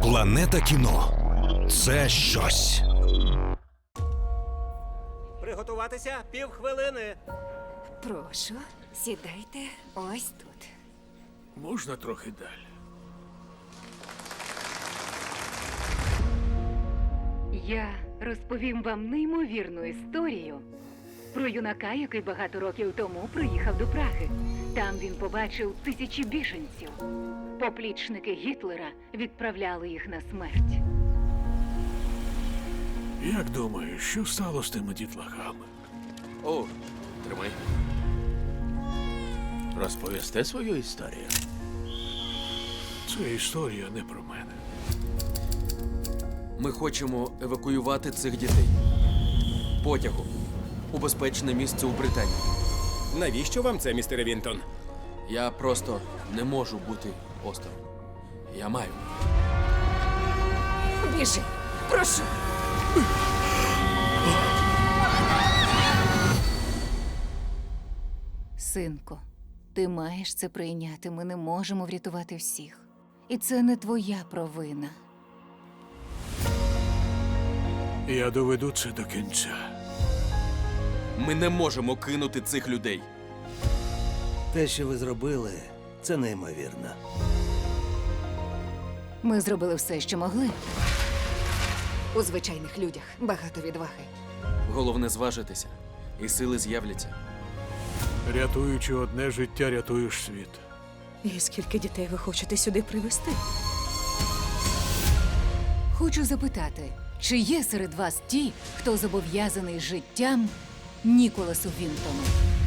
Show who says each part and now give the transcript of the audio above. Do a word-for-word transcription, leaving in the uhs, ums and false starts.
Speaker 1: Планета кіно – це щось.
Speaker 2: Приготуватися півхвилини.
Speaker 3: Прошу, сідайте ось тут.
Speaker 4: Можна трохи далі?
Speaker 5: Я розповім вам неймовірну історію про юнака, який багато років тому приїхав до Праги. Там він побачив тисячі біженців. Поплічники Гітлера відправляли їх на смерть.
Speaker 4: Як думаєш, що стало з тими дітлахами?
Speaker 6: О, тримай. Розповісти свою історію?
Speaker 4: Це історія не про мене.
Speaker 7: Ми хочемо евакуювати цих дітей. Потягом. У безпечне місце у Британії.
Speaker 2: Навіщо вам це, містер Вінтон?
Speaker 7: Я просто не можу бути осторонь. Я маю.
Speaker 3: Біжи, прошу. Синку, ти маєш це прийняти. Ми не можемо врятувати всіх. І це не твоя провина.
Speaker 4: Я доведу це до кінця.
Speaker 7: Ми не можемо кинути цих людей.
Speaker 8: Те, що ви зробили, це неймовірно.
Speaker 3: Ми зробили все, що могли. У звичайних людях багато відваги.
Speaker 7: Головне зважитися, і сили з'являться.
Speaker 4: Рятуючи одне життя, рятуєш світ.
Speaker 9: І скільки дітей ви хочете сюди привезти?
Speaker 3: Хочу запитати, чи є серед вас ті, хто зобов'язаний життям Ніколасу Вінтону?